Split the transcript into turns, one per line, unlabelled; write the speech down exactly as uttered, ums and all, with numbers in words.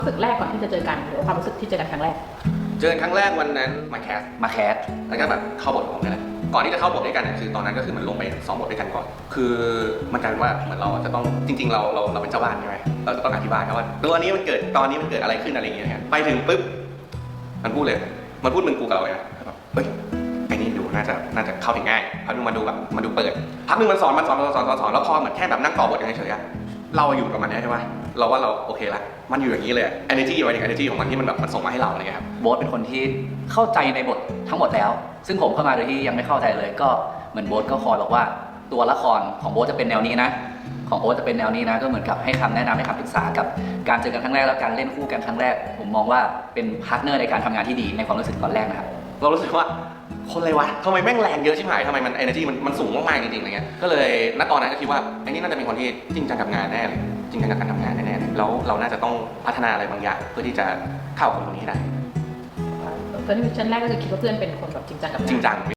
รู้สึกแรกก่อนที่จะเจอกันหรือความรู้สึกที่เจอกันครั้งแรก
เจอกันครั้งแรกวันนั้นมาแคส
มาแคส
แล้วก็แบบเข้าบทของผมนี่แหละก่อนที่จะเข้าบทด้วยกันเนี่ยคือตอนนั้นก็คือมันลงไปซ้อมบทด้วยกันก่อนคือมันกลายเป็นว่าเหมือนเราจะต้องจริงๆเราเราเราเป็นเจ้าบ้านใช่ไหมเราจะต้องอธิบายครับว่าตัวนี้มันเกิดตอนนี้มันเกิดอะไรขึ้นอะไรอย่างเงี้ยไปถึงปุ๊บมันพูดเลยมันพูดมึงกูกับเราเลยนะเฮ้ยไอ้นี่ดูน่าจะน่าจะเข้าถึงง่ายพักนึงมาดูแบบมาดูเปิดพักนึงมันสอนมันสอนสอนสอนสอนแล้วพอเหมือนแค่แบบนั่งต่อบทกันเฉยๆเราอยู่ประมาณนี้ใช่ไหมเราว่าเราโอเคละมันอยู่อย่างนี้เลย energy ไว้ถึง energy ของมันที่มันแบบมันส่งมาให้เราอะไรเงี้ยครับ
โบ๊ทเป็นคนที่เข้าใจในบททั้งหมดแล้วซึ่งผมเข้ามาโดยที่ยังไม่เข้าใจเลยก็เหมือนโบ๊ทก็คอยบอกว่าตัวละครของโบ๊ทจะเป็นแนวนี้นะของโอ๊ตจะเป็นแนวนี้นะก็เหมือนกับให้คำแนะนำให้คำปรึกษากับการเจอกันครั้งแรกแล้วการเล่นคู่กันครั้งแรกผมมองว่าเป็นพาร์ทเนอร์ในการทำงานที่ดีในความรู้สึกตอนแรกนะครับ
เรารู้สึกว่าคนอะไรวะทำไมแม่งแรงเยอะชิบหายทำไมมัน energy มันมันสูงมากๆจริงๆอะไรเงี้ยก็เลยณตอนนั้นก็คิดว่าไอ้นี่น่าจะเป็นคนที่จริงจังกับงานแน่เลยจริงจังกับการทำงานแน่ๆเลยแล้วเราน่าจะต้องพัฒนาอะไรบางอย่างเพื่อที่จะเข้ากับคนคนนี้ได้
ตอนที่มิชชั่นแรกก็คือคิดว่าเพื่อนเป็นคนแบบจริงจังกับงาน
จริงจัง